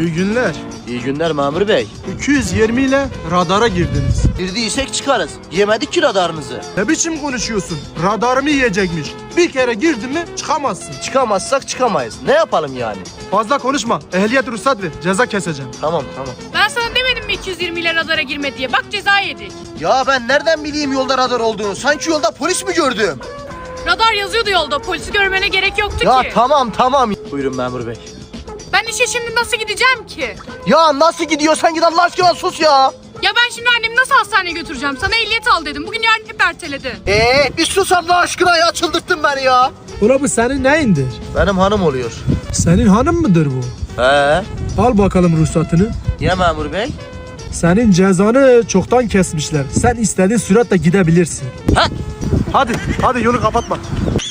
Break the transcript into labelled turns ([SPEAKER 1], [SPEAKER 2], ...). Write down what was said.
[SPEAKER 1] İyi günler.
[SPEAKER 2] İyi günler memur bey.
[SPEAKER 1] 220 ile radara girdiniz.
[SPEAKER 2] Girdiysek çıkarız. Yemedik ki radarınızı.
[SPEAKER 1] Ne biçim konuşuyorsun? Radarımı yiyecekmiş. Bir kere girdin mi çıkamazsın.
[SPEAKER 2] Çıkamazsak çıkamayız. Ne yapalım yani?
[SPEAKER 1] Fazla konuşma. Ehliyet ruhsat ver. Ceza keseceğim.
[SPEAKER 2] Tamam.
[SPEAKER 3] Ben sana demedim mi 220 ile radara girme diye? Bak ceza yedik.
[SPEAKER 2] Ya ben nereden bileyim yolda radar olduğunu? Sanki yolda polis mi gördüm?
[SPEAKER 3] Radar yazıyordu yolda. Polisi görmene gerek yoktu
[SPEAKER 2] Ya
[SPEAKER 3] ki.
[SPEAKER 2] tamam. Buyurun memur bey.
[SPEAKER 3] Ben işe şimdi nasıl gideceğim ki?
[SPEAKER 2] Ya nasıl gidiyorsan git Allah aşkına sus ya.
[SPEAKER 3] Ya ben şimdi annemi nasıl hastaneye götüreceğim? Sana ehliyet al dedim. Bugün yarın hep erteledi.
[SPEAKER 2] Bir sus Allah aşkına ya, çıldırttın beni ya.
[SPEAKER 1] Ula bu senin neyindir?
[SPEAKER 2] Benim hanım oluyor.
[SPEAKER 1] Senin hanım mıdır bu?
[SPEAKER 2] He?
[SPEAKER 1] Al bakalım ruhsatını.
[SPEAKER 2] Ya memur bey?
[SPEAKER 1] Senin cezanı çoktan kesmişler. Sen istediğin süratle gidebilirsin.
[SPEAKER 2] Ha?
[SPEAKER 1] Hadi yolu kapatma.